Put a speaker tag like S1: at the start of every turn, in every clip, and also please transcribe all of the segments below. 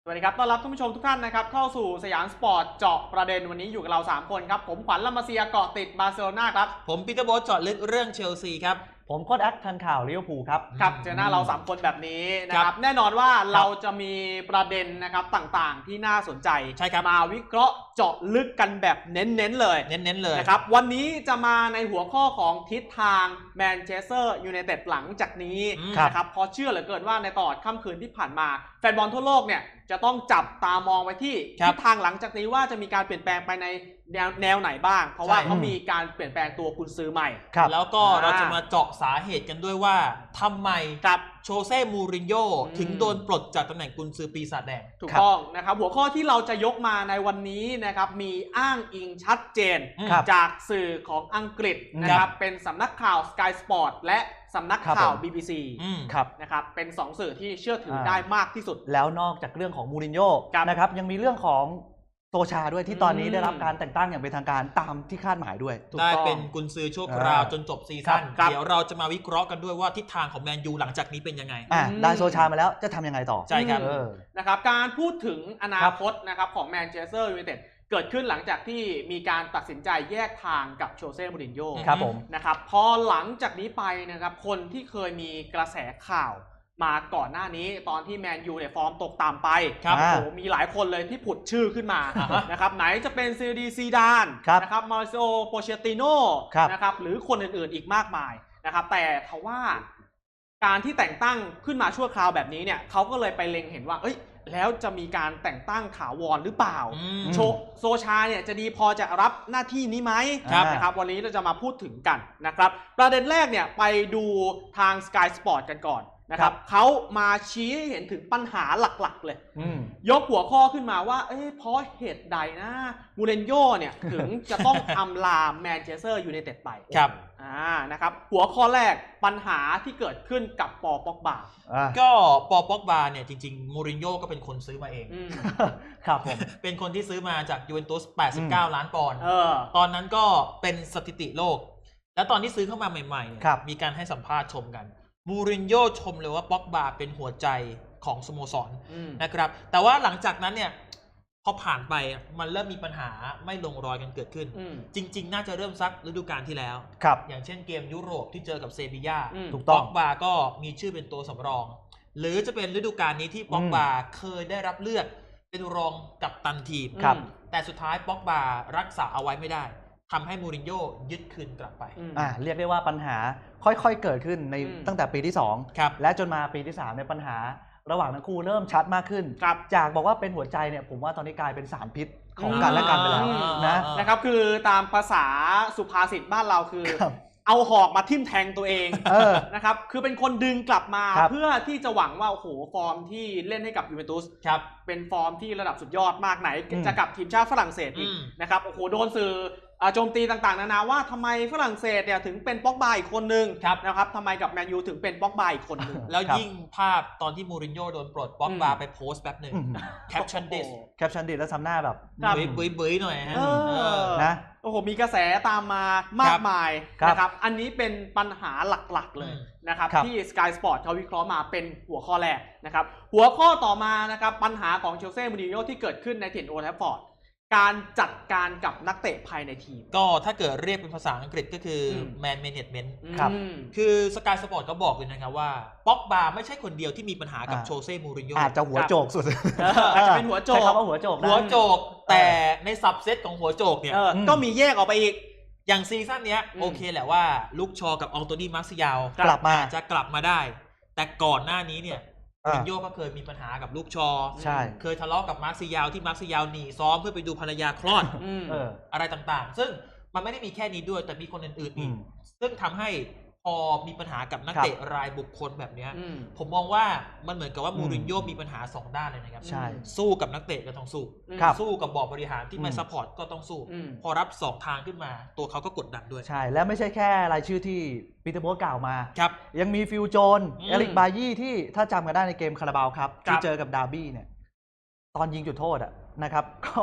S1: สวัสดีครับต้อนรับท่านผู้ชมทุกท่านนะครับเข้าสู่สยามสปอร์ตเจาะประเด็นวันนี้อยู่กับเรา3คนครับผมขวัญลำมาเซียเกาะติดบาร์เซโลนาครับ
S2: ผมปีเตอร์โบ๊ทเจาะลึกเรื่องเชลซีครับ
S3: ผมโค้ชแอคทันข่าวลิเวอร์พูลครับ
S1: ครับเจอหน้าเรา3คนแบบนี้นะครับแน่นอนว่าเราจะมีประเด็นนะครับต่างๆที่น่าสนใจ
S2: ใช่ครับ
S1: มาวิเคราะห์เจาะลึกกันแบบเน้นๆเลย
S2: เลย
S1: นะครับวันนี้จะมาในหัวข้อของทิศทางแมนเชสเตอร์ยูไนเต็ดหลังจากนี้นะครับเพราะเชื่อเหลือเกินว่าในตลอดค่ำคืนที่ผ่านมาแฟนบอลทั่วโลกเนี่ยจะต้องจับตามองไปที่ทิศทางหลังจากนี้ว่าจะมีการเปลี่ยนแปลงไปในแนวไหนบ้างเพราะว่าเขามีการเปลี่ยนแปลงตัวกุนซือใหม่
S2: แล้วก็เราจะมาเจาะสาเหตุกันด้วยว่าทำไมโชเซ่มูรินโญ่ถึงโดนปลดจากตำแหน่งกุนซือปีศาจแดง
S1: ถูกต้องนะครับหัวข้อที่เราจะยกมาในวันนี้นะครับมีอ้างอิงชัดเจนจากสื่อของอังกฤษนะครับเป็นสำนักข่าว Sky Sport และสำนักข่าว BBC นะครับเป็น2สื่อที่เชื่อถือได้มากที่สุด
S3: แล้วนอกจากเรื่องของมูรินโญ่นะครับยังมีเรื่องของโซชาด้วยที่ตอนนี้ได้รับการแต่งตั้งอย่างเป็นทางการตามที่คาดหมายด้วย
S2: ได้เป็นกุนซือชั่วคราวจนจบซีซั่นเดี๋ยวเราจะมาวิเคราะห์กันด้วยว่าทิศทางของแมนยูหลังจากนี้เป็นยังไง
S3: ได้โซชามาแล้วจะทำยังไงต่อ
S2: ใช่ครับ
S1: นะครับการพูดถึงอนาคตนะครับของแมนเชสเตอร์ยูไนเต็ดเกิดขึ้นหลังจากที่มีการตัดสินใจแยกทางกับโชเซ่มูรินโญ่
S3: ครับผม
S1: นะครับพอหลังจากนี้ไปนะครับคนที่เคยมีกระแสข่าวมาก่อนหน้านี้ตอนที่แมนยูเนี่ยฟอร์มตกต่ำไปโอ้โหมีหลายคนเลยที่ผุดชื่อขึ้นมานะครับไหนจะเป็นซีดีซีดานนะครับมาริโอโปเชติโน่นะครับหรือคนอื่นๆอีกมากมายนะครับแต่ทว่าการที่แต่งตั้งขึ้นมาชั่วคราวแบบนี้เนี่ยเขาก็เลยไปเล็งเห็นว่าเอ้ยแล้วจะมีการแต่งตั้งถาวรหรือเปล่าโซชาเนี่ยจะดีพอจะรับหน้าที่นี้ไหมนะครับวันนี้เราจะมาพูดถึงกันนะครับประเด็นแรกเนี่ยไปดูทาง Sky Sport กันก่อนนะครับเขามาชี้ให้เห็นถึงปัญหาหลักๆเลยยกหัวข้อขึ้นมาว่าเพราะเหตุใดนะมูรินโญ่เนี่ยถึงจะต้องอำลาแมนเชสเตอร์ยูไนเต็ดไปนะครับหัวข้อแรกปัญหาที่เกิดขึ้นกับปอป็อกบา
S2: ก็ปอป็อกบาเนี่ยจริงๆมูรินโญ่ก็เป็นคนซื้อมาเอง
S3: ครับผม
S2: เป็นคนที่ซื้อมาจากยูเวนตุส89 ล้านปอนด์ตอนนั้นก็เป็นสถิติโลกแล้วตอนที่ซื้อเข้ามาใหม่ๆมีการให้สัมภาษณ์ชมกันมูรินโญ่ชมเลยว่าป็อกบาเป็นหัวใจของสโมสรนะครับแต่ว่าหลังจากนั้นเนี่ยพอผ่านไปมันเริ่มมีปัญหาไม่ลงรอยกันเกิดขึ้นจริงๆน่าจะเริ่มซักฤดูกาลที่แล้วอย่างเช่นเกมยุโรปที่เจอกับเซบีย่าป็อกบาก็มีชื่อเป็นตัวสำรองหรือจะเป็นฤดูกาลนี้ที่ป็อกบาเคยได้รับเลือกเป็นรองกัปตันทีมแต่สุดท้ายป็อกบารักษาเอาไว้ไม่ได้ทำให้มูรินโญ่ยึดคืนกลับไป
S3: เรียกได้ว่าปัญหาค่อยๆเกิดขึ้นในตั้งแต่ปีที่2และจนมาปีที่3ในปัญหาระหว่างทั้งคู่เริ่มชัดมากขึ้นจากบอกว่าเป็นหัวใจเนี่ยผมว่าตอนนี้กลายเป็นสารพิษของกันและกันไปแล้ว
S1: นะครับคือตามภาษาสุภาษิตบ้านเราคือเอาหอกมาทิ่มแทงตัวเองนะครับคือเป็นคนดึงกลับมาเพื่อที่จะหวังว่าโอ้โหฟอร์มที่เล่นให้กับยูเวนตุสเป็นฟอร์มที่ระดับสุดยอดมากไหนจะกับทีมชาติฝรั่งเศสอีกนะครับโอ้โหโดนสื่อโจมตีต่างๆนานาว่าทำไมฝรั่งเศสเนี่ยถึงเป็นป็อกบาอีกคนนึงนะครับทำไมกับแมนยูถึงเป็นป็อกบาอีกคนนึง
S2: แล้วยิ่งภาพตอนที่มูรินโญ่โดนปลดป็อกบาไปโพสต์แบบหนึ่งแคปชั่นดิส
S3: แล้วทำหน้าแบบ
S2: บื้อหน่อย
S1: นะโอ้โหมีกระแสตามมามากมายนะครับอันนี้เป็นปัญหาหลักๆเลยนะครับที่ Sky Sport เขาวิเคราะห์มาเป็นหัวข้อแรกนะครับหัวข้อต่อมานะครับปัญหาของเชลซีมูรินโญ่ที่เกิดขึ้นในถิ่นโอลด์แทรฟฟอร์ดการจัดการกับนักเตะภายในทีม
S2: ก็ถ้าเกิดเรียกเป็นภาษาอังกฤษก็คือ man management ครับคือสกายสปอร์ตก็บอกเลยนะครับว่าป็อกบาไม่ใช่คนเดียวที่มีปัญหากับโชเซ่มูรินโญ่
S3: อาจจะหัวโจกสุด
S1: อาจจะเป็นหัวโจก
S3: ใช้คำว่าหัวโจก
S2: แต่ในซับเซตของหัวโจกเนี่ย
S1: ก็มีแยกออกไปอีก
S2: อย่างซีซั่นนี้โอเคแหละว่าลูกชอกับอองโตนี่มาร์ซิยาลจะกลับมาได้แต่ก่อนหน้านี้เนี่ยมูรินโญ่ก็เคยมีปัญหากับลูกชอเคยทะเลาะกับมาร์ซิยาลที่มาร์ซิยาลหนีซ้อมเพื่อไปดูภรรยาคลอดอะไรต่างๆซึ่งมันไม่ได้มีแค่นี้ด้วยแต่มีคนอื่นๆอีกซึ่งทำให้พอมีปัญหากับนักเตะรายบุคคลแบบนี้ผมมองว่ามันเหมือนกับว่ามูรินโญ่มีปัญหา2ด้านเลยนะครับสู้กับนักเตะก็ต้องสู้กับบอร์ดบริหารที่ไม่ซัพพอร์ตก็ต้องสู้พอรับ2ทางขึ้นมาตัวเขาก็กดดันด้วย
S3: ใช่และไม่ใช่แค่รายชื่อที่ปีเตอร์โบ๊ทกล่าวมายังมีฟิลโจนเอริกบายี่ที่ถ้าจำกันได้ในเกมคาราบาวครับที่เจอกับดาร์บี้เนี่ยตอนยิงจุดโทษนะครับก็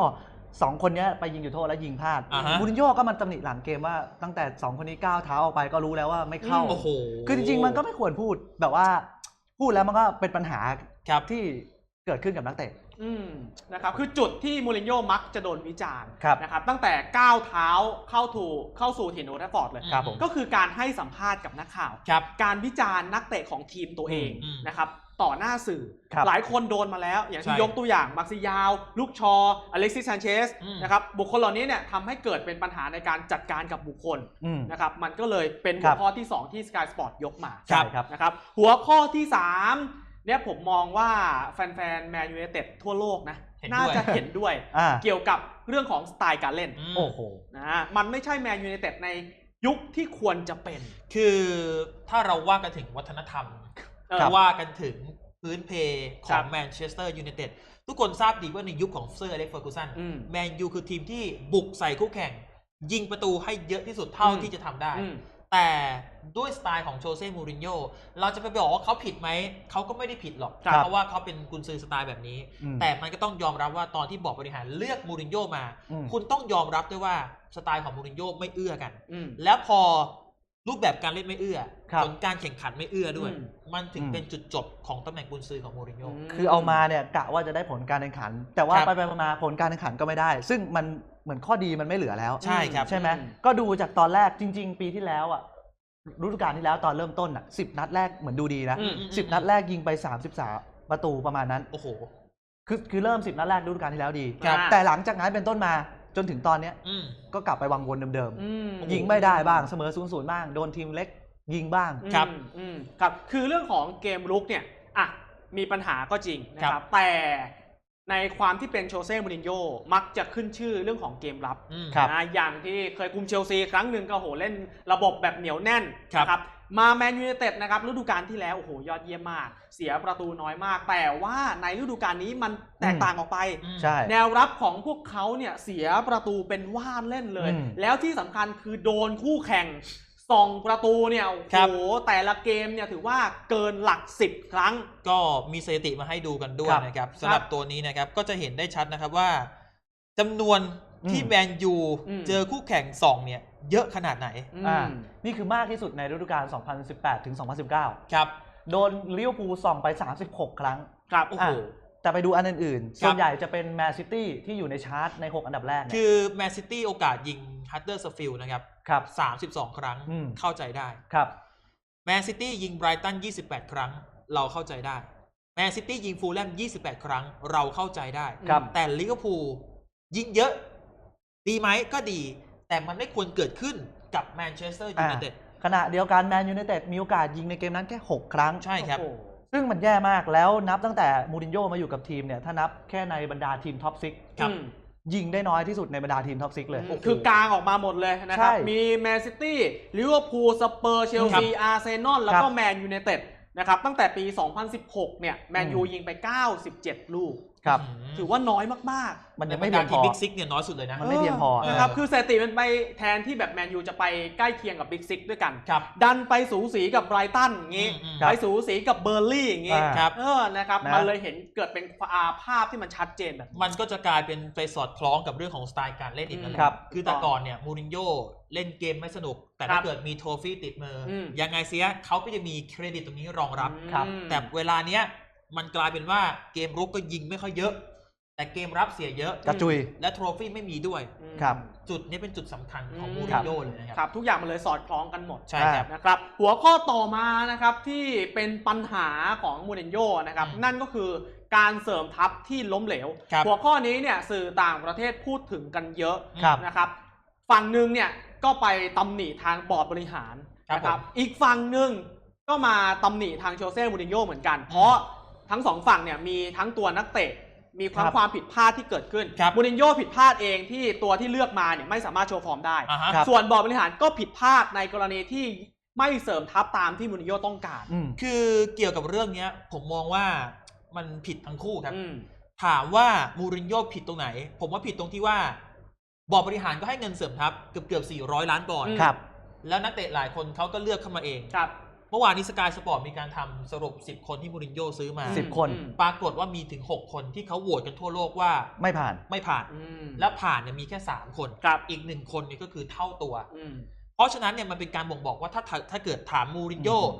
S3: 2คนนี้ไปยิงจุดโทษแล้วยิงพลาดมูรินโญ่ก็มันตำหนิหลังเกมว่าตั้งแต่2คนนี้ก้าวเท้าออกไปก็รู้แล้วว่าไม่เข้าคือจริงๆมันก็ไม่ควรพูดแบบว่าพูดแล้วมันก็เป็นปัญหาที่เกิดขึ้นกับนักเตะ
S1: นะครับคือจุดที่มูรินโญ่มักจะโดนวิจารณ์
S3: ครับ
S1: นะครับตั้งแต่ก้าวเท้าเข้าสู่ถิ่นโอลด์แทราฟฟอร์ดเลย
S3: ครับผม
S1: ก็คือการให้สัมภาษณ์กับนักข่าว การวิจารณ์นักเตะของทีมตัวเองนะครับต่อหน้าสื่อ หลายคนโดนมาแล้วอย่างที่ยกตัวอย่างมาร์ซิยาวลูกชออเล็กซิส ซานเชสนะครับบุคคลเหล่านี้เนี่ยทำให้เกิดเป็นปัญหาในการจัดการกับบุคคลนะครับมันก็เลยเป็นหัวข้อที่ 2 ที่ Sky Sport ยกมานะครับหัวข้อที่ 3เนี่ยผมมองว่าแฟนๆแมนยูไนเต็ดทั่วโลกนะน่าจะเห็นด้วยเกี่ยวกับเรื่องของสไตล์การเล่น
S3: โอ้โห
S1: นะมันไม่ใช่แมนยูไนเต็ดในยุคที่ควรจะเป็น
S2: คือถ้าเราว่ากันถึงวัฒนธรรมว่ากันถึงพื้นเพของแมนเชสเตอร์ยูไนเต็ดทุกคนทราบดีว่าในยุคของเซอร์อเล็กซ์ เฟอร์กูสันแมนยูคือทีมที่บุกใส่คู่แข่งยิงประตูให้เยอะที่สุดเท่าที่จะทำได้แต่ด้วยสไตล์ของโชเซ่ มูรินโญ่เราจะไปบอกว่าเขาผิดไหมเขาก็ไม่ได้ผิดหรอกเพราะว่าเขาเป็นกุนซือสไตล์แบบนี้แต่มันก็ต้องยอมรับว่าตอนที่บอร์ดบริหารเลือกมูรินโญ่มาคุณต้องยอมรับด้วยว่าสไตล์ของมูรินโญ่ไม่เอื้อกันแล้วพอรูปแบบการเล่นไม่เอื้อผลการแข่งขันไม่เอื้อด้วยมันถึงเป็นจุดจบของตำแหน่งกุนซือของมูรินโญ่
S3: คือเอามาเนี่ยกะว่าจะได้ผลการแข่งขันแต่ว่าไปมาผลการแข่งขันก็ไม่ได้ซึ่งมันเหมือนข้อดีมันไม่เหลือแล้ว
S2: ใช่ครับ
S3: ใช่ไหมก็ดูจากตอนแรกจริงๆปีที่แล้วฤดูกาลที่แล้วตอนเริ่มต้น10 นัดแรกเหมือนดูดีนะ10 นัดแรกยิงไป33ประตูประมาณนั้น
S2: โอ้โห
S3: คือเริ่ม10 นัดแรกฤดูกาลที่แล้วดีแต่หลังจากนั้นเป็นต้นมาจนถึงตอนนี้ก็กลับไปวังวนเดิมๆยิงไม่ได้บ้างเสมอ0-0บ้างโดนทีมเล็กยิงบ้าง
S1: ครับคือเรื่องของเกมรุกเนี่ยมีปัญหาก็จริงนะครับแต่ในความที่เป็นโชเซ่ มูรินโญ่มักจะขึ้นชื่อเรื่องของเกมรับนะอย่างที่เคยคุมเชลซีครั้งหนึ่งก็เล่นระบบแบบเหนียวแน่นนะครับมาแมนยูไนเต็ดนะครับฤดูกาลที่แล้วยอดเยี่ยมมากเสียประตูน้อยมากแต่ว่าในฤดูกาลนี้มันแตกต่างออกไปแนวรับของพวกเขาเนี่ยเสียประตูเป็นว่านเล่นเลยแล้วที่สำคัญคือโดนคู่แข่ง2 ประตูเนี่ยแต่ละเกมเนี่ยถือว่าเกินหลัก10 ครั้ง
S2: ก็มีสถิติมาให้ดูกันด้วยนะครับสำหรับตัวนี้นะครับก็จะเห็นได้ชัดนะครับว่าจำนวนที่แมนยูเจอคู่แข่ง2เนี่ยเยอะขนาดไหน
S3: นี่คือมากที่สุดในฤดูกาล 2018 ถึง 2019
S2: ครับ
S3: โดนลิเวอร์พูลส่องไป36 ครั้ง
S1: ครับ
S3: โอ้โหแต่ไปดูอันอื่นๆส่วนใหญ่จะเป็นแมนซิตี้ที่อยู่ในชาร์ตใน6 อันดับแรก
S2: คือแมนซิตี้โอกาสยิงฮัตเตอร์สฟิลด์นะครับ32 ครั้งเข้าใจได้
S3: ครับ
S2: แมนซิตี้ยิงไบรตัน28 ครั้งเราเข้าใจได้แมนซิตี้ยิงฟูลแลม28 ครั้งเราเข้าใจได้แต่ลิเวอร์พูลยิงเยอะดีไหมก็ดีแต่มันไม่ควรเกิดขึ้นกับแมนเชสเตอร์ยูไนเต็ด
S3: ขณะเดียวกันแมนยูไนเต็ดมีโอกาสยิงในเกมนั้นแค่6 ครั้ง
S2: ใช่ครับ
S3: ซึ่งมันแย่มากแล้วนับตั้งแต่มูรินโญ่มาอยู่กับทีมเนี่ยถ้านับแค่ในบรรดาทีมท็อป6ยิงได้น้อยที่สุดในบรรดาทีมท็อป6เลย
S1: คือกลางออกมาหมดเลยนะครับมีแมนซิตี้ลิเวอร์พูลสเปอร์เชลซีอาร์เซนอลแล้วก็แมนยูไนเต็ดนะครับตั้งแต่ปี 2016 เนี่ยแมนยูยิงไป97 ลูกถือว่าน้อยมาก
S3: ๆมันยังไม่เพียงพอ
S2: บิ๊กซิกเนี่ยน้อยสุดเลยนะ
S3: มันไม่เพียงพอ
S1: นะครับคือสถิติมันไปแทนที่แบบแมนยูจะไปใกล้เคียงกับบิ๊กซิกด้วยกันดันไปสูสีกับไบรตันอย่างงี้ไปสูสีกับเบอร์ลี่อย่างงี้นะครับมันเลยเห็นเกิดเป็นภาพที่มันชัดเจนแบบ
S2: มันก็จะกลายเป็นไปสอดคล้องกับเรื่องของสไตล์การเล่นอีกนะครับคือแต่ก่อนเนี่ยมูรินโญ่เล่นเกมไม่สนุกแต่ถ้าเกิดมีโทฟี่ติดมือยังไงเสียเขาก็จะมีเครดิตตรงนี้รองรับแต่เวลาเนี้ยมันกลายเป็นว่าเกมรุกก็ยิงไม่ค่อยเยอะแต่เกมรับเสียเยอะ
S3: กระจุย
S2: และโทรฟี่ไม่มีด้วย
S3: ครับ
S2: จุดนี้เป็นจุดสำคัญของมูรินโญ่เลย
S1: นะครับทุกอย่างมันเลยสอดคล้องกันหมด
S2: ใช่ครับ
S1: นะครับหัวข้อต่อมานะครับที่เป็นปัญหาของมูรินโญ่นะครับนั่นก็คือการเสริมทัพที่ล้มเหลวหัวข้อนี้เนี่ยสื่อต่างประเทศพูดถึงกันเยอะนะครับฝั่งหนึ่งเนี่ยก็ไปตำหนิทางบอร์ดบริหารนะครับอีกฝั่งหนึ่งก็มาตำหนิทางโชเซ่ มูรินโญ่เหมือนกันเพราะทั้ง2 ฝั่งเนี่ยมีทั้งตัวนักเตะมีความผิดพลาดที่เกิดขึ้นมูรินโญ่ผิดพลาดเองที่ตัวที่เลือกมาเนี่ยไม่สามารถโชว์ฟอร์มได้ส่วนบอร์ดบริหารก็ผิดพลาดในกรณีที่ไม่เสริมทัพตามที่มูรินโญ่ต้องการ
S2: คือเกี่ยวกับเรื่องนี้ผมมองว่ามันผิดทั้งคู่ครับถามว่ามูรินโญ่ผิดตรงไหนผมว่าผิดตรงที่ว่าบอร์ดบริหารก็ให้เงินเสริมทัพเกือบ400 ล้านปอนด์แล้วนักเตะหลายคนเขาก็เลือกเข้ามาเองเมื่อวานนี้สกายสปอร์ตมีการทำสรุป10 คนที่มูรินโญ่ซื้อมา
S3: 10 คน
S2: ปรากฏว่ามีถึง6 คนที่เขาโหวตกันทั่วโลกว่า
S3: ไม่ผ่าน
S2: และผ่านเนี่ยมีแค่3 คนอีก1 คนนี่ก็คือเท่าตัวเพราะฉะนั้นเนี่ยมันเป็นการบ่งบอกว่าถ้าเกิดถามมูรินโญ่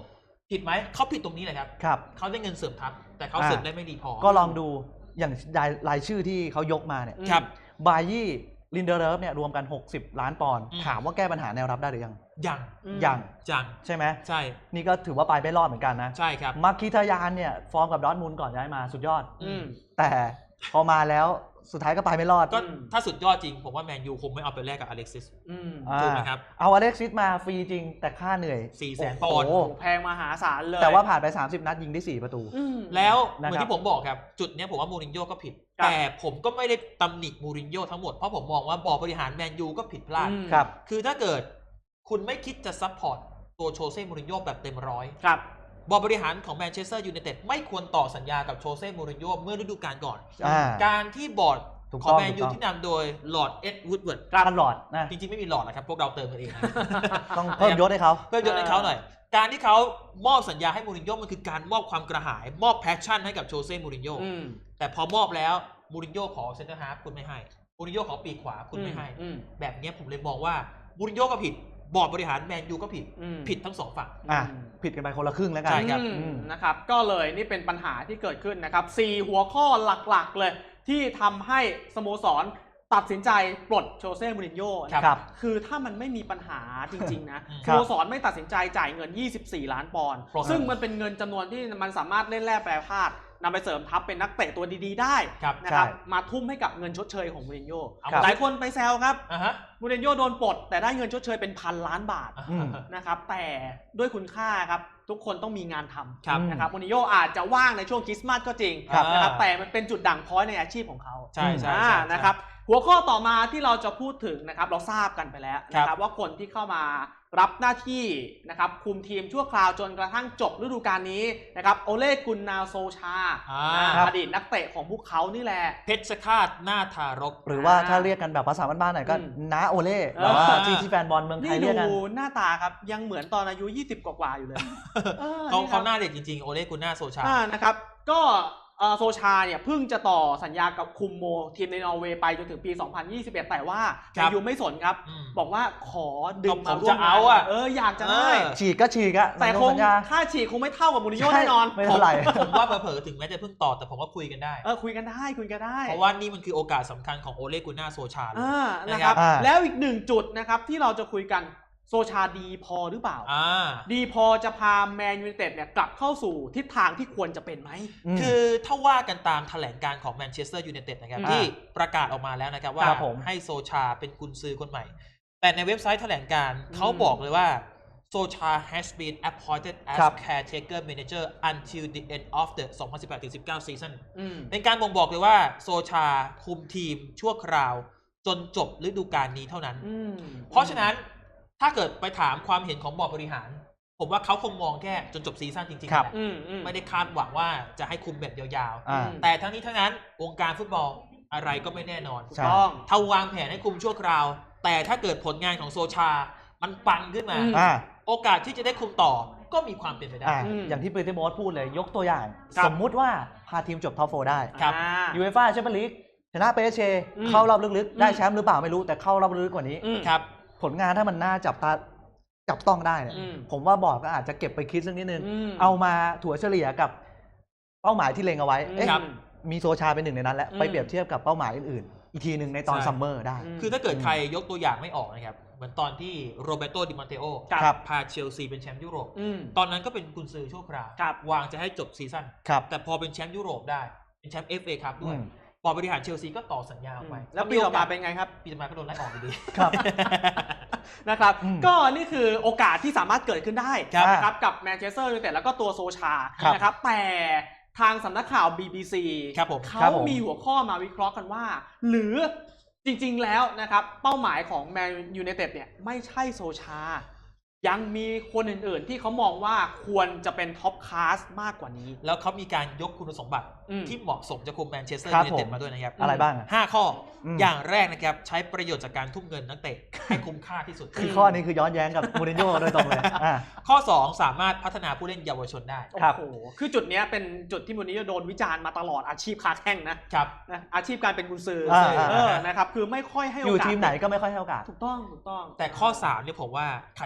S2: ผิดไหมเขาผิดตรงนี้แหละครับ
S3: ครับ
S2: เขาได้เงินเสริมทัพแต่เขาเสริมได้ไม่ดีพอ
S3: ก็ลองดูอย่างรายชื่อที่เขายกมาเนี่ย
S2: ครับ
S3: บายี่ลินเดอร์เลิฟเนี่ยรวมกัน60 ล้านปอนด์
S2: อืม
S3: ถามว่าแก้ปัญหาแนวรับได้หรือยัง
S2: ยัง
S3: ยัง
S2: ยัง
S3: ใช่ไหม
S2: ใช่
S3: นี่ก็ถือว่าไปไม่รอดเหมือนกันนะ
S2: ใช่ครับ
S3: มาร์คิทายานเนี่ยฟอร์มกับดอร์ทมุนด์ก่อนย้ายมาสุดยอด
S1: อืม
S3: แต่พอมาแล้วสุดท้ายก็ไปไม่รอด
S2: ก็ถ้าสุดยอดจริง ผมว่าแมนยูคงไม่เอาไปแลกกับอเล็กซิส
S1: อืม
S2: ถูกไหมครับ
S3: เอาอเล็กซิสมาฟรีจริงแต่ค่าเหนื่อย
S2: 400,000
S3: โโห
S2: ปอนด์
S1: โอ้แพงมหาศาลเลย
S3: แต่ว่าผ่านไป 30 นัดยิงได้ 4 ประตู
S1: อืม
S2: แล้วเห
S3: นะครับ
S2: มือนที่ผมบอกครับ จุดเนี้ยผมว่ามูรินโญ่ก็ผิด
S1: ครับ
S2: แต่ผมก็ไม่ได้ตำหนิมูรินโญ่ทั้งหมด เพราะผมมองว่าบอร์ดบริหารแมนยูก็ผิดพลาด
S1: อืม
S3: ครับ
S2: คือถ้าเกิดคุณไม่คิดจะซัพพอร์ตตัวโชเซ่มูรินโญ่แบบเต็มร้อย
S1: ครับ
S2: บอร์ดบริหารของแมนเชสเตอร์ยูไนเต็ดไม่ควรต่อสัญญากับโชเซ่มูรินโญ่เมื่อฤดูกาลก่อน
S3: อ่า
S2: การที่บอร์ด
S3: ถูก
S2: ข
S3: ต้
S2: อ
S3: อง
S2: งแมนยู
S3: ถูกต้อง
S2: ที่นำโดยลอร์ดเอ็ดวูดเวิร์ด
S3: ตลอดนะ
S2: จริงๆ ไม่มีหลอดนะครับ พวกเราเติมกันเองนะ
S3: ต้องเพิ่มยศให้เขา
S2: เพิ่มยศให้เขาหน่อย การที่เขามอบสัญญาให้มูรินโญ่มันคือการมอบความกระหาย มอบแพชชั่นให้กับโชเซ่มูรินโญ่
S1: อืม
S2: แต่พอมอบแล้วมูรินโญ่ขอเซนเตอร์ฮาล์ฟคุณไม่ให้มูรินโญ่ขอปีกขวาคุณไม่ให้
S1: อืม
S2: แบบเนี้ยผมเลยมองว่ามูรินโญ่ก็ผิด บอร์ดบริหารแมนยูก็ผิด
S1: อืม
S2: ผิดทั้งสองฝั่ง
S3: อ่ะผิดกันไปคนละครึ่งแล้วกัน
S2: ใช่ครับ
S1: อืมนะครับ ก็เลยนี่เป็นปัญหาที่เกิดขึ้นนะครับ4หัวข้อหลักๆเลย ที่ทำให้สโมสรตัดสินใจปลดโชเซ่มูรินโญ่นะครับ คือถ้ามันไม่มีปัญหาจริงๆนะ
S3: ค
S1: ส
S3: รับ
S1: โมสรไม่ตัดสินใจจ่ายเงิน 24 ล้านปอนด์
S2: ครับ
S1: ซึ่งมันเป็นเงินจำนวนที่มันสามารถเล่นแร่แปรธาตุนำไปเสริมทัพเป็นนักเตะตัวดีๆได้
S2: ครับ
S1: นะครับ
S3: ใช่
S1: มาทุ่มให้กับเงินชดเชยของมูรินโญ่
S2: เอา
S3: ครับ
S1: หลายคนไปแซวครับ
S2: อ่ะฮะ
S1: มูรินโญ่โดนปลดแต่ได้เงินชดเชยเป็น1,000 ล้านบาท
S3: อืม
S1: นะครับแต่ด้วยคุณค่าครับทุกคนต้องมีงานท
S2: ครับ
S1: ำนะครับมูรินโญ่อาจจะว่างในช่วงคริสต์มาสก็จริง
S2: ครับ
S1: นะครับแต่มันเป็นจุดด่างพร้อยในอาชีพของเขา
S2: ใช่ใช่
S1: อ่า
S2: ใช่
S1: นะครับหัวข้อต่อมาที่เราจะพูดถึงนะครับเราทราบกันไปแล้วนะค
S2: ครั
S1: รับบ ว่าคนที่เข้ามารับหน้าที่นะครับคุมทีมชั่วคราวจนกระทั่งจบฤดูกาลนี้นะครับโอเล่กุนนาโซชา
S3: ครับ
S1: อดีตนักเตะของพวกเขานี่แหละ
S2: เพชรฆาตหน้าทารก
S3: หรือว่าถ้าเรียกกันแบบภาษาบ้านๆหน่อยก็
S1: อืม
S3: น้าโอเล่
S1: เออ
S3: แบบว่าที่แฟนบอลเมืองไท
S1: นี่
S3: ยเรียกกัน
S1: ดูหน้าตาครับยังเหมือนตอนอายุ 20 กว่าๆอยู่เลยออ
S2: เขา
S1: นี่ค
S2: เขา
S1: รับ
S2: หน้าเด็กจริงๆ โอเล่กุนนาโซชา
S1: นะครับก็โซชาเนี่ยเพิ่งจะต่อสัญญากับคุมโมทีมในนอร์เวย์ไปจนถึงปี 2021 แต่ว่า
S2: ครับ
S1: แมนยูไม่สนครับ
S2: อืม
S1: บอกว่าขอดึง
S2: ก็
S1: มา
S2: ผม
S1: ร่ว
S2: จะ
S1: ม
S2: เอาอะ
S1: อยากจะได้
S3: ฉีกก็ฉีกอะ
S1: แต่คง
S3: สัญญา
S1: ค่าฉีกคงไม่เท่ากับมูรินโญ่
S3: ใช่
S1: แน่นอน
S3: ไม่เท่าไหร่
S2: ผมว่าเผลอๆถึงแม้จะเพิ่งต่อแต่ผมว่าคุยกันได้
S1: คุยกันได้คุยกันได้
S2: เพราะว่านี่มันคือโอกาสสำคัญของโอเล่กุนนาโซชาเลย
S1: นะครับ
S3: อ่า
S1: แล้วอีกหนึ่งจุดนะครับที่เราจะคุยกันโซชาดีพอหรือเปล่า ดีพอจะพาแมนยูไนเต็ดเนี่ยกลับเข้าสู่ทิศทางที่ควรจะเป็นไหม
S3: ม
S2: คือถ้าว่ากันตามแถลงการของแมนเชสเตอร์ยูไนเต็ดนะครับ
S1: อ่า
S2: ที่ประกาศออกมาแล้วนะครับว่า
S3: ครับผม
S2: ให้โซชาเป็นกุนซือคนใหม่ แต่ในเว็บไซต์แถลงการเขาบอกเลยว่าโซชา has been appointed as
S3: ครับ
S2: caretaker manager until the end of the 2018-19 season
S1: อืม
S2: เป็นการบ่งบอกเลยว่าโซชาคุมทีมชั่วคราวจนจบฤดูกาลนี้เท่านั้น เพราะฉะนั้นถ้าเกิดไปถามความเห็นของบอร์ดบริหาร ผมว่าเขาคงมองแค่จนจบซีซั่นจริงๆ
S3: ครับ
S2: แหละ
S1: อืม
S2: ไม่ได้คาดหวังว่าจะให้คุมแบบยาว
S3: อ่า
S2: ๆ แต่ทั้งนี้ทั้งนั้นวงการฟุตบอลอะไรก็ไม่แน่นอน
S1: ถูก
S3: ใช่
S1: ต้อง
S2: ถ้าวางแผนให้คุมชั่วคราว แต่ถ้าเกิดผลงานของโซชา มันปังขึ้นมา
S1: อืม
S3: อ่า
S2: โอกาสที่จะได้คุมต่อก็มีความเป็นไปได้
S3: อ่าอย่างที่เปเตอร์โมสพูดเลยยกตัวอย่าง
S1: ครับ
S3: สมมุติว่าพาทีมจบท็อปโฟได้
S2: ครับ
S3: ยูเอฟ่าแชมเปี้ยนลีกชนะเปเช
S1: อืม
S3: เข้ารอบลึก
S1: อืม
S3: ๆ ได้แชมป์หรือเปล่าไม่รู้แต่เข้ารอบลึกกว่านี้
S1: อืม
S2: ครับ
S3: ผลงานถ้ามันน่าจับต้องได้เนี่ย
S1: อืม
S3: ผมว่าบอร์ดก็อาจจะเก็บไปคิดสักนิดนึง
S1: ม
S3: เอามาถั่วเฉลี่ยกับเป้าหมายที่เล็งเอาไว้เอ๊ะ
S2: ครับ
S3: มีโซชาเป็นหนึ่งในนั้นแล้ว
S1: อืม
S3: ไปเปรียบเทียบกับเป้าหมายอื่นๆ อีกทีหนึ่งในตอน
S2: ใช่
S3: ซัมเมอร์ได้
S2: คือถ้าเกิดใครยกตัวอย่างไม่ออกนะครับ เหมือนตอนที่โรเบโตดิมอนเตโอ
S3: ครับ
S2: พาเชลซีเป็นแชมป์ยุโรป
S1: อืม
S2: ตอนนั้นก็เป็นกุนซือชั่วคราว
S1: ครับ
S2: วางจะให้จบซีซั่น
S3: ครับ
S2: แต่พอเป็นแชมป์ยุโรปได้ เป็นแชมป์ FA ครับด้วย
S3: อืม
S2: บอร์ดบริหารเชลซีก็ต่อสัญญาออกไป
S1: แล้วปีต่อมาเป็นไงครับ
S2: ปีต่อมาก็โดนไล่ออกอยู่ดี
S3: ครับ
S1: นะครับ
S3: อืม
S1: ก็นี่คือโอกาสที่สามารถเกิดขึ้นได้
S3: ครับ
S1: นะครับกับแมนเชสเตอร์ยูไนเต็ดแล้วก็ตัวโซชา
S3: ครับ
S1: นะครับแต่ทางสำนักข่าว BBC
S2: ครับผม
S1: เขา
S3: ครับผม
S1: มีหัวข้อมาวิเคราะห์กันว่า หรือจริงๆแล้วนะครับเป้าหมายของแมนยูไนเต็ดเนี่ยไม่ใช่โซชา ยังมีคนอื่นๆที่เขามองว่าควรจะเป็นท็อปคลาสมากกว่านี้
S2: แล้วเขามีการยกคุณสมบัติ
S1: อืม
S2: ที่เหมาะสมจะคุมแมนเชสเตอร์
S3: ครับ
S2: ยูไนเต็ด
S3: ผม
S2: มาด้วยนะครับ
S3: อะไรบ้างอะ
S2: 5 ข้ออ
S3: ม
S2: อย่างแรกนะครับ ใช้ประโยชน์จากการทุ่มเงินนักเตะ ให้คุ้มค่าที่สุด
S3: คือข้อนี้คือย้อนแย้งกับมูรินโญ่โดยตรงเลยอ่า
S2: ข้อ 2 สามารถพัฒนาผู้เล่นเยาวชนได้
S3: ครับ
S1: โอ้โหคือจุดเนี้ยเป็นจุดที่มูรินโญ่โดนวิจารณ์มาตลอดอาชีพค้าแข้งนะครับ นะอาชีพการเป็นกุนซืออา นะครับคือไม่ค่อยให้โอกาส
S3: อยู่ทีมไหนก็ไม่ค่อยให้โอกาส
S1: ถูกต้อง
S2: แต่ข้อ3เนี่ยผมว่าขัดแย้งกับ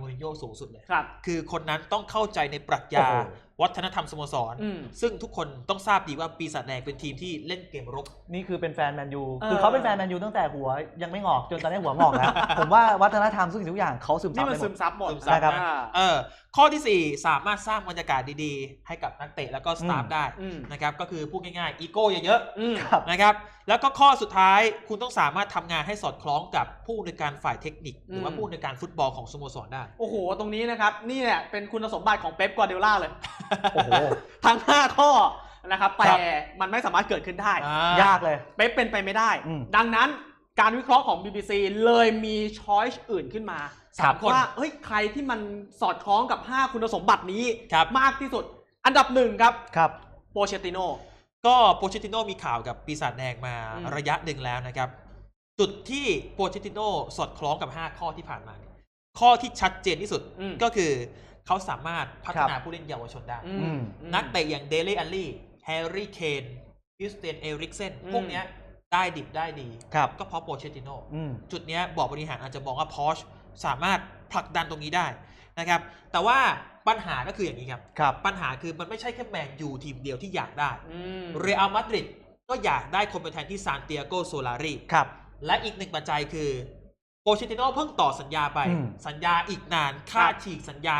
S2: มูรินโญ่สูงสุดเลย
S1: ครับ
S2: คือคนนั้นต้องเข้าใจในปรัชญา
S3: โอ้โห
S2: วัฒนธรรมสโมสร
S1: อืม
S2: ซึ่งทุกคนต้องทราบดีว่าปีศาจแดงเป็นทีมที่เล่นเกมรบ
S3: นี่คือเป็นแฟนแมนยู
S1: เออ
S3: คือเขาเป็นแฟนแมนยูตั้งแต่หัวยังไม่งอกจนตอนนี้หัวงอกแล้ว ผมว่าวัฒนธรรมทุกอย่างเขาซึมซั
S1: นี่
S3: บ
S1: มัน
S3: ไปหม
S1: ซึ
S3: ด
S1: มซับหมด
S2: ซึมซับ
S3: นะครับ
S2: ข้อที่ 4 สามารถสร้างบรรยากาศดีๆ ให้กับนักเตะแล้วก็สตาฟได้
S1: อืม
S2: นะครับก็คือพูดง่ายๆอีโก้เยอะ
S1: อืม
S3: ครับ
S2: ๆนะครับแล้วก็ข้อสุดท้ายคุณต้องสามารถทำงานให้สอดคล้องกับผู้ในวยการฝ่ายเทคนิค หรือว่า
S1: อืม
S2: ผู้ในวยการฟุตบอลของสโมสรได้
S1: โอ้โห ตรงนี้นะครับนี่แหละเป็นคุณสมบัติของเป๊ปกวาร์ดิโอลาเลย
S3: โอ้โห
S1: ทั้ง 5 ข้อนะครับ
S2: ครั
S1: แต่
S2: บ
S1: มันไม่สามารถเกิดขึ้นได้
S3: ยากเลย
S1: เป๊ปเป็นไปไม่ได้
S3: อืม
S1: ดังนั้นการวิเคราะห์ของ BBC เลยมีช้อยส์อื่นขึ้นมา
S2: 3 คน
S1: ว่าเฮ้ยใครที่มันสอดคล้องกับ 5 คุณสมบัตินี้
S2: ครับ
S1: มากที่สุด อันดับ 1 ครับ
S3: ครับ
S1: โปเชติโน
S2: ก็โปเชติโนมีข่าวกับปีศาจแดงมา
S1: อืม
S2: ระยะหนึ่งแล้วนะครับ จุดที่โปเชติโนสอดคล้องกับ 5 ข้อที่ผ่านมา ข้อที่ชัดเจนที่สุด
S1: อืม
S2: ก็คือเขาสามารถพัฒนา
S3: ครับ
S2: ผู้เล่นเยาวชนได้
S1: อืม
S2: นักเตะอย่างเดเล่อัลลี่แฮร์รี่เคนคริสเตียนเอริกเซน
S1: อืม
S2: พวกเนี้ยได้ดิบได้ดี
S3: ครับ
S2: ก็เพราะโปเชติโน
S3: อืม
S2: จุดเนี้ยบอร์ดบริหารอาจจะมองว่าพอชสามารถผลักดันตรงนี้ได้นะครับ แต่ว่าปัญหาก็คืออย่างนี้ครับ
S3: ครับ
S2: ปัญหาคือมันไม่ใช่แค่แมนยูทีมเดียวที่อยากได้
S1: อืม
S2: เรอัลมาดริดก็อยากได้คนไปแทนที่ซานติอาโกโซลารี
S3: ครับ
S2: และอีกหนึ่งปัจจัยคือโปเชติโนเพิ่งต่อสัญญาไป
S3: อืม
S2: สัญญาอีกนานค่าฉีกสัญญา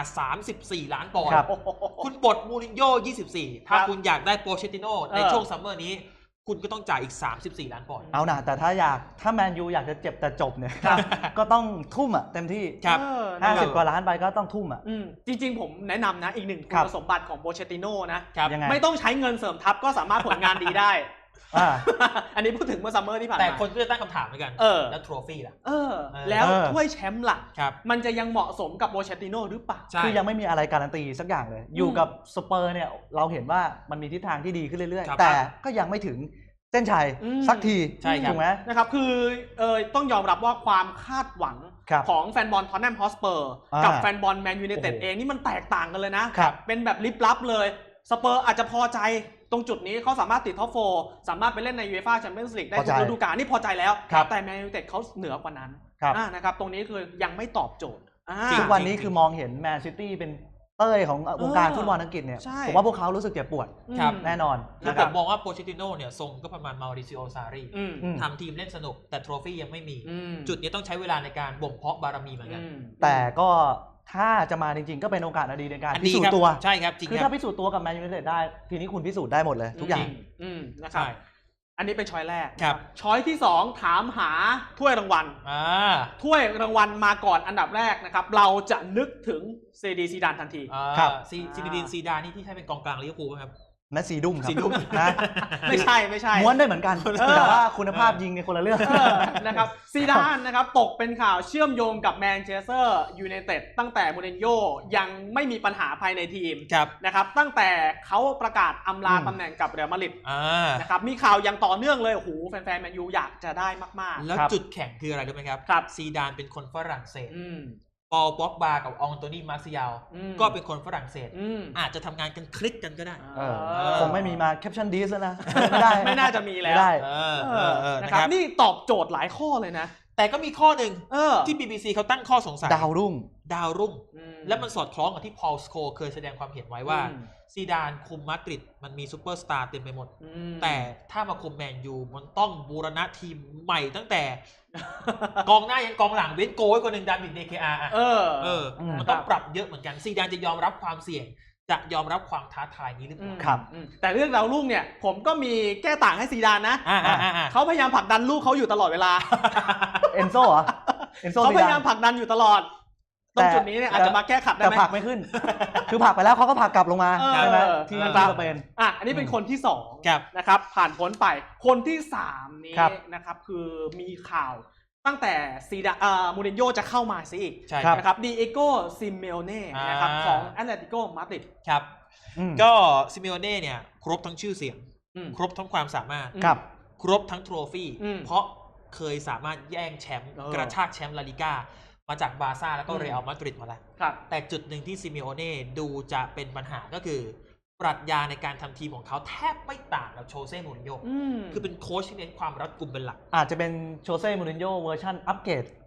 S2: 34 ล้านปอนด์
S3: ครับ
S2: คุณปลดมูรินโญ่24 ถ้า
S1: ครับ
S2: คุณอยากได้โปเชติโนใน
S1: เออ
S2: ช่วงซัมเมอร์นี้ คุณก็ต้องจ่ายอีก 34 ล้านปอนด์
S3: เอานะแต่ถ้าแมนยูอยากจะเจ็บแต่จบเนี่ย
S1: ครับ
S3: ก็ต้องทุ่มอ่ะเต็มที่
S2: ครับ
S1: เออนะครับ
S3: 50 กว่าล้านไปก็ต้องทุ่มอ่ะ
S1: อืมจริงๆ ผมแนะนำนะอีกหนึ่งคุ
S3: ครั
S1: ณ
S3: บ
S1: สมบัติของโปเชติโนนะ
S2: ครับ
S3: ยังไง
S1: ไม่ต้องใช้เงินเสริมทัพก็สามารถผลงานดีได้
S3: อ่า
S1: อันนี้พูดถึงเมื่อซัมเมอร์ที่ผ่าน
S2: แต่
S1: มา
S2: คนก็จะตั้งคำถามเหมือนกัน
S1: เออ
S2: แล้วโทรฟี่ล่ะ
S1: เออ
S2: เออ
S1: แล้ว
S3: เออ
S1: ถ้วยแชมป์ล่ะ
S2: ครับ
S1: มันจะยังเหมาะสมกับโปเชติโนหรือเปล่า
S2: ใช่
S3: คือยังไม่มีอะไรการันตีสักอย่างเลย อยู่กับสเปอร์เนี่ยเราเห็นว่ามันมีทิศทางที่ดีขึ้นเรื่อย
S2: ครับ
S3: ๆ แต่ก็ยังไม่ถึงเส้นชัย
S1: อืม
S3: สักที
S2: ใช่ครับ
S3: ถูกไหม
S1: นะครับคือต้องยอมรับว่าความคาดหวัง
S3: ครับ
S1: ของแฟนบอลท็อตแนมฮอสเปอร์
S3: อ่า
S1: กับแฟนบอลแมนยูไนเต็ด
S3: โอ้โห
S1: เองนี่มันแตกต่างกันเลยนะครับ เป็นแบบลิบลับเลยสเปอร์อาจจะพอใจตรงจุดนี้เขาสามารถติดท็อปโฟร์สามารถไปเล่นในยูเอฟ่าแชมเปี้ยนส์ลีกได้
S3: พอ
S1: ทุ
S3: ใจ
S1: กฤดูกาลนี่พอใจแล้ว
S3: ครับ
S1: แต่แมนยูไนเต็ดเขาเหนือกว่านั้น
S3: ครับ
S1: นะครับตรงนี้คือยังไม่ตอบโจทย์อ่า
S2: จริง
S3: ทุกวันนี้คือมองเห็นแมนซิตี้เป็นเต้ยของวงการฟุตบอลอังกฤษเนี่ย
S1: ใช่
S3: ผมว่าพวกเขารู้สึกเจ็บปวด
S2: ครับ
S3: แน่นอน
S2: คือ
S3: นะ
S2: ผ
S3: ครับ
S2: มมองว่าโปเชติโนเนี่ยทรงก็ประมาณมาริซิโอซารี
S1: อืม
S3: อืม
S2: ทำทีมเล่นสนุกแต่โทรฟี่ยังไม่มี
S1: อืม
S2: จุดนี้ต้องใช้เวลาในการบ่มเพาะบารมีเหมือนกัน
S1: อืม
S3: แต่ก็ถ้าจะมาจริงๆ ก็เป็นโอกาสอันดีในการ
S2: อัน
S3: พิ
S2: นี้
S3: สูจ
S2: ครับ
S3: น์ตัว
S2: ใช่ครับจริง
S3: คือ
S2: ครั
S3: ถ้า
S2: บ
S3: พิสูจน์ตัวกับแมนยูไนเต็ดได้ ทีนี้คุณพิสูจน์ได้หมดเลย ทุกอย่าง
S1: นะครับ
S2: ใช่
S1: อันนี้เป็นช้อยแรก
S2: ครับ
S1: ช้อยที่ 2 ถามหาถ้วยรางวัล
S2: อ่า
S1: ถ้วยรางวัลมาก่อนอันดับแรกนะครับ เราจะนึกถึงเซดีซีดานทันที
S3: ครับ
S2: ซินดินซีดานี่ที่ใช่เป็นกองกลางลิเวอร์พูลไหมครับ
S3: แมสซีดุ้มครับ
S2: ซีดุ้ม
S3: นะ
S1: ไม่ใช่ไม่ใช่
S3: ม้วนได้เหมือนกัน
S1: เออ
S3: แต่ว่าคุณภาพยิงในยคนละเรื่อง
S1: เออนะครับซีดานนะครับตกเป็นข่าวเชื่อมโยงกับแมนเชสเตอร์ยูไนเต็ดตั้งแต่มูรินโญ่ยังไม่มีปัญหาภายในทีม
S2: ครับ
S1: นะครับตั้งแต่เขาประกาศอำลา
S3: อืม
S1: ตำแหน่งกับเรอัลมาดริด
S2: อ่า
S1: นะครับมีข่าวอย่างต่อเนื่องเลยโอ้โหแฟนๆแมนยูอยากจะได้มาก
S2: แล้ว
S3: ครับ
S2: จุดแข็งคืออะไรรู้ไหมครับ
S1: ครับ
S2: ซีดานเป็นคนฝรั่งเศส
S1: ๆอืม
S2: ปอลบ็อกบากับอองโตนี่มาร์เซียล
S1: อืม
S2: ก็เป็นคนฝรั่งเศส
S1: อืม
S2: อาจจะทำงานกันคลิกกันก็ได้
S3: เออ
S1: เออ
S3: คงไม่มีมาแคปชั่นดีสแล้วนะ ไม่ได้
S1: ไม่น่าจะมีแล้ว
S3: ไม่ได้
S2: เออ
S1: เอ
S2: เอ
S1: อ
S2: อเออ
S1: นะ
S2: นะ
S1: ค
S2: ค
S1: รั
S2: รั
S1: บบ นี่ตอบโจทย์หลายข้อเลยนะ
S2: แต่ก็มีข้อหนึ่ง
S1: เออ
S2: ที่ BBC เขาตั้งข้อสงสัย
S3: ดาวรุ่ง
S2: ดาวรุ่ง
S1: อื
S2: และมันสอดคล้องกับที่พอลสโคเคยแสดงความเห็นไว้ว่า
S1: อืม
S2: ซีดานคุมมาดริดมันมีซูเปอร์สตาร์เต็มไปหมด
S1: อืม
S2: แต่ถ้ามาคุมแมนยูมันต้องบูรณะทีมใหม่ตั้งแต่ กองหน้ายันกองหลังเว้นโกไว้คนหนึ่งดามิดเดเคอาร์
S1: เออ
S2: เออ มันต้องปรับเยอะเหมือนกันซีดานจะยอมรับความเสี่ยง จะยอมรับความท้าทายนี้หรือเป
S1: อืม
S2: ล่า
S3: ครับ
S1: อืมแต่เรื่องดาวรุ่งเนี่ย ผมก็มีแก้ต่างให้ซีดานนะ
S2: อ่า
S1: เขาพยายามผลักดันลูกเขาอยู่ตลอดเวลา
S3: เอนโซเหรอ เอนโซ
S1: เขา
S3: ซี
S1: พ
S3: ดาย
S1: ายาม
S3: น
S1: ผลักดันอยู่ตลอด ตรงจุดนี้เนี่ยอาจจะมาแก้ขัดได้
S3: แต่
S1: ไหม
S3: ผลักไม่ขึ้น คือผลักไปแล้วเขาก็ผลักกลับลงมา
S1: เออ
S3: ใช่ไหม
S1: เออ
S3: ที่
S1: นะค
S3: ที่
S1: รับ
S3: สเปน
S1: อ่ะอันนี้เป็นคนที่สอง
S2: ครับ
S1: นะครับ ผ่านพ้นไป คนที่สามนี้
S3: ครับ
S1: นะครับ คือมีข่าวตั้งแต่มูรินโญ่จะเข้ามาซิอีก
S2: ใช่
S3: ครับ
S1: นะครับดีเอโกซิเมโอเน่นะครับของแอตเลติโกมาดริด
S2: ครับ
S3: อืม
S2: ก็ซิเมโอเน่เนี่ยครบทั้งชื่อเสียง
S1: อืม
S2: ครบทั้งความสามารถ
S3: ครับ
S2: ครบทั้งโทรฟี่
S1: อืม
S2: เพราะเคยสามารถแย่งแชมป์
S1: เออ
S2: กระชากแชมป์ลาลิก้ามาจากบาร์ซ่าแล้วก็
S1: อืม
S2: เรอัลมาดริดมาแล้ว
S1: ครับ
S2: แต่จุดหนึ่งที่ซิเมโอเน่ดูจะเป็นปัญหาก็คือ ปรัชญาในการทำทีมของเขาแทบไม่ต่างกับโชเซ่มูรินโญ่
S1: อืม
S2: คือเป็นโค้ชที่เน้นความรัดกุมเป็นหลัก
S3: อาจจะเป็นโชเซ่มูรินโญ่เวอร์ชันอัปเกรด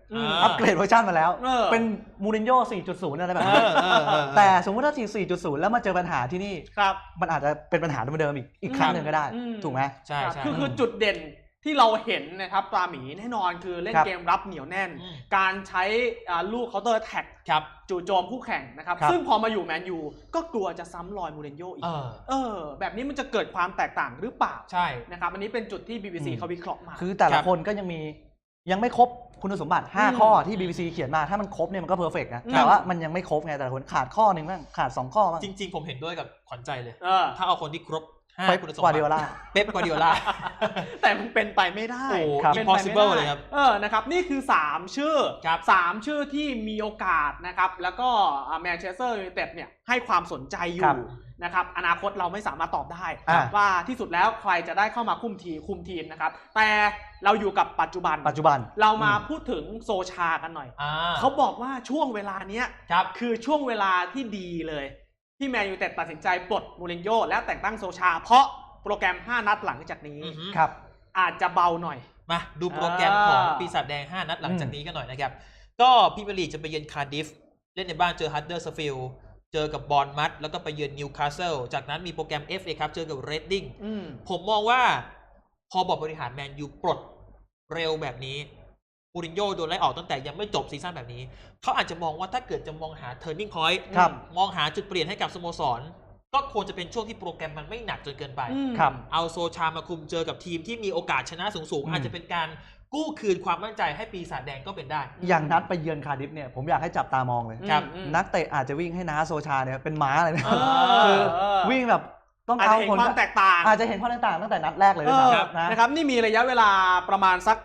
S3: อัปเกรดเวอร์ชันมาแล้วเป็นมูรินโญ่4.0 อะไรแบบนี้แต่สมมติถ้า4.0 แล้วมาเจอปัญหาที่นี่มันอาจจะเป็นปัญหาเดิมๆอีกครั้งหนึ่งก็ได้ถูกไหม
S2: ใช่
S1: คือจุดเด่นที่เราเห็นนะครับปลาหมีแน่นอนคือเล่นเกมรับเหนียวแน่นการใช้ลูกเคาน์เตอร์แท็กจู่โจมคู่แข่งนะครับซึ่งพอมาอยู่แมนยูก็กลัวจะซ้ำรอยมูรินโญ่อีกแบบนี้มันจะเกิดความแตกต่างหรือเปล่า
S2: ใช่
S1: นะครับอันนี้เป็นจุดที่ BBC เขาวิเคราะห์มา
S3: คือแต่ละคนก็ยังไม่ครบคุณสมบัติ5ข้อที่ BBC เขียนมาถ้ามันครบเนี่ยมันก็เพอร์เฟกต์นะแต่ว่ามันยังไม่ครบไงแต่ละคนขาดข้อนึงบ้างขาด2ข้อบ้าง
S2: จริงๆผมเห็นด้วยกับขวัญใจเลยถ้าเอาคนที่ครบ
S3: คุณสมบัติ
S2: เป๊ปกวาร์ดิโอลา
S1: แต่มันเป็นไปไม่ได้
S2: เป็น impossible เลยครับ
S1: นะครับนี่คือ3ชื่อที่มีโอกาสนะครับแล้วก็แมนเชสเตอร์ยูไนเต็ดเนี่ยให้ความสนใจอยู่นะครับอนาคตเราไม่สามารถตอบได้ว่าที่สุดแล้วใครจะได้เข้ามาคุมทีมนะครับแต่เราอยู่กับปัจจุบันเรามาพูดถึงโซชากันหน่อยเขาบอกว่าช่วงเวลานี้คือช่วงเวลาที่ดีเลยที่แมนยูไนเต็ดตัดสินใจปลดมูรินโญ่และแต่งตั้งโซชาเพราะโปรแกรม5นัดหลังจากนี้อาจจะเบาหน่อย
S2: มาดูโปรแกรมของปีศาจแดง5นัดหลังจากนี้กันหน่อยนะครับก็พรีเมียร์ลีกจะไปเยือนคาร์ดิฟเล่นในบ้านเจอฮัดเดอร์สฟิลด์เจอกับบอร์นมัธแล้วก็ไปเยือนนิวคาสเซิลจากนั้นมีโปรแกรม FA ครับเจอกับเรดดิ้งผมมองว่าพอบอร์ดบริหารแมนยูปลดเร็วแบบนี้มูรินโญ่โดนไล่ออกตั้งแต่ยังไม่จบซีซั่นแบบนี้เขาอาจจะมองว่าถ้าเกิดจะมองหา turning point มองหาจุดเปลี่ยนให้กับสโมสรก็ควรจะเป็นช่วงที่โปรแกรมมันไม่หนักจนเกินไปเอาโซชามาคุมเจอกับทีมที่มีโอกาสชนะสูงๆอาจจะเป็นการกู้คืนความมั่นใจให้ปีศาจแดงก็เป็นได้
S3: อย่างนัดไปเยือนคาร์ดิฟเนี่ยผมอยากให้จับตามองเลยนักเตะอาจจะวิ่งให้น้าโซชาเนี่ยเป็นม้าเลยนะคือวิ่งแบบต้องเอา
S1: ผลความแตกต่าง
S3: อาจจะเห็นความแตกต่างตั้งแต่นัดแรกเลย
S1: นะครับนี่มีระยะเวลาประมาณสัก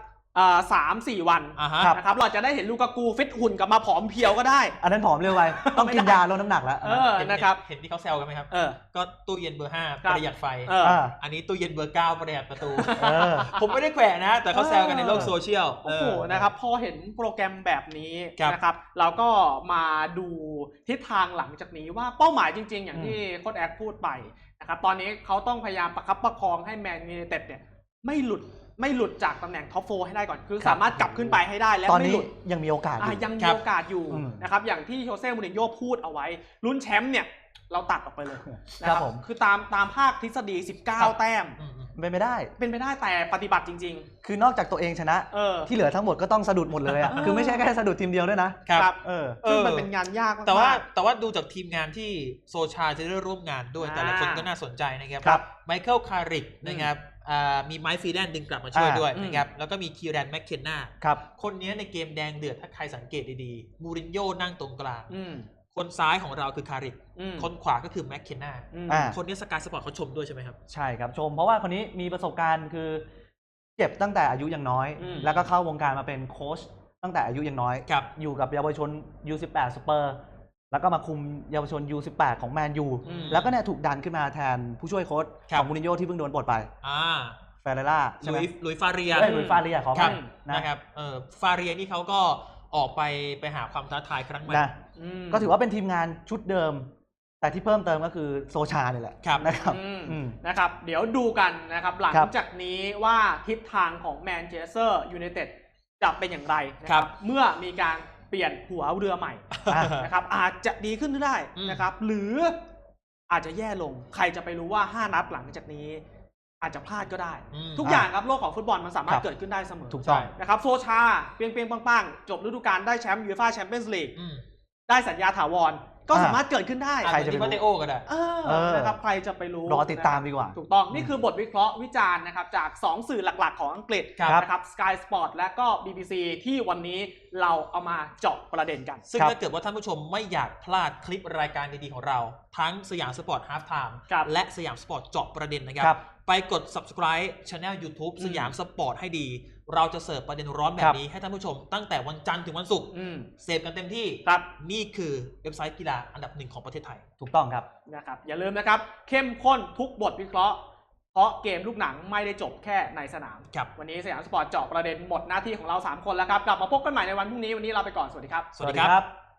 S1: 3-4 วันนะครับเราจะได้เห็นลูกากูฟิตหุ่นกลับมาผอมเพียวก็ได้
S3: อันนั้นผอมเร็วไปต้องกินยาลดน้ำหนักแล้ว
S1: นะครับ
S2: เห็นที่เขาแซวกันไหมครับก็ตู้เย็นเบอร์5ประหยัดไฟอันนี้ตู้เย็นเบอร์9ประหยัดประตูผมไม่ได้แขวะนะแต่เขาแซวกันในโลกโซเชียล
S1: โอ้โหนะครับพอเห็นโปรแกรมแบบนี้นะครับเราก็มาดูทิศทางหลังจากนี้ว่าเป้าหมายจริงๆอย่างที่โค้ชแอคพูดไปนะครับตอนนี้เขาต้องพยายามประคับประคองให้แมนยูไนเต็ดเนี่ยไม่หลุดจากตำแหน่งท็อป4ให้ได้ก่อนคือสามารถกลับขึ้นไปให้ได้และไม่หลุด
S3: ยังมีโอกาส
S1: ยังมีโอกาสอยู่นะครับอย่างที่โชเซ่มูรินโญ่พูดเอาไว้ลุ้นแชมป์เนี่ยเราตัดออกไปเลยนะครับคือตามภาคทฤษฎี19แต้ม
S3: เป็นไปได้
S1: แต่ปฏิบัติจริง
S3: ๆคือนอกจากตัวเองชนะที่เหลือทั้งหมดก็ต้องสะดุดหมดเลยอ่ะคือไม่ใช่แค่สะดุดทีมเดียวด้วยนะครับ
S1: ซึ่งมันเป็นงานยากมาก
S2: แต่ว่าดูจากทีมงานที่โซชาจะได้ร่วมงานด้วยแต่ละคนก็น่าสนใจนะครับไมเคิลคาริกนะครับมีไมค์ฟรีแลนด์ดึงกลับมาช่วยด้วยนะครับแล้วก็มีคีแรนแมคเคนนาคนนี้ในเกมแดงเดือดถ้าใครสังเกตดีๆมูรินโญ่นั่งตรงกลางคนซ้ายของเราคือคาริกคนขวาก็คือแมคเคนนาคนนี้สกายสปอร์ตเขาชมด้วยใช่ไหมครับ
S3: ใช่ครับชมเพราะว่าคนนี้มีประสบการณ์คือเจ็บตั้งแต่อายุยังน้อยแล้วก็เข้าวงการมาเป็นโค้ชตั้งแต่อายุยังน้อยอยู่กับเยาวชน U18 สเปอร์แล้วก็มาคุมเยาวชน U18 ของแมนยูแล้วก็เนี่ยถูกดันขึ้นมาแทนผู้ช่วยโค้ชของมูรินโญ่ที่เพิ่งโดนปลดไปเฟเรล่า
S2: ลุยฟาเรีย
S3: ขอครับ
S2: นะครับฟาเรียนี่เขาก็ออกไปหาความท้าทายครั้งใหม่
S3: ก็ถือว่าเป็นทีมงานชุดเดิมแต่ที่เพิ่มเติมก็คือโซชาเนี่ยแหละ
S1: นะครับเดี๋ยวดูกันนะครับหลังจากนี้ว่าทิศทางของแมนเชสเตอร์ยูไนเต็ดจะเป็นอย่างไรนะครับเมื่อมีการเปลี่ยนหัวเรือใหม่นะครับอาจจะดีขึ้นได้นะครับหรืออาจจะแย่ลงใครจะไปรู้ว่า5นัดหลังจากนี้อาจจะพลาดก็ได้ทุกอย่างครับโลกของฟุตบอลมันสามารถเกิดขึ้นได้เสมอ
S3: ถูกต้อง
S1: นะครับโซชาเปียงปังจบฤดูกาลได้แชมป์ยูฟ่าแชมเปี้ยนส์ลีกได้สัญญาถาวรก็สามารถเกิดขึ้นได้
S2: ใครจะไปรู้ก็ได้
S1: นะครับใครจะไปรู้
S3: รอติดตามดีกว่า
S1: ถูกต้องนี่คือบทวิเคราะห์วิจารณ์นะครับจาก2สื่อหลักๆของอังกฤษนะครับ Sky Sport และก็ BBC ที่วันนี้เราเอามาเจาะประเด็นกัน
S2: ซึ่งถ้าเกิดว่าท่านผู้ชมไม่อยากพลาดคลิปรายการดีๆของเราทั้งสยามสปอร์ตฮาล์ฟไทม์และสยามสปอร์ตเจาะประเด็นนะครับไปกด subscribe Channel YouTube สยามสปอร์ตให้ดีเราจะเสิร์ฟประเด็นร้อนแบบนี้ให้ท่านผู้ชมตั้งแต่วันจันทร์ถึงวันศุกร์เสพกันเต็มที่นี่คือเว็บไซต์กีฬาอันดับ1ของประเทศไทย
S3: ถูกต้องครับ
S1: นะครับอย่าลืมนะครับเข้มข้นทุกบทวิเคราะห์เพราะเกมลูกหนังไม่ได้จบแค่ในสนามวันนี้สยามสปอร์ตเจาะประเด็นหมดหน้าที่ของเรา3คนแล้วครับกลับมาพบกันใหม่ในวันพรุ่งนี้วันนี้เราไปก่อนสวัสดีครับ
S2: สวัสดีครับ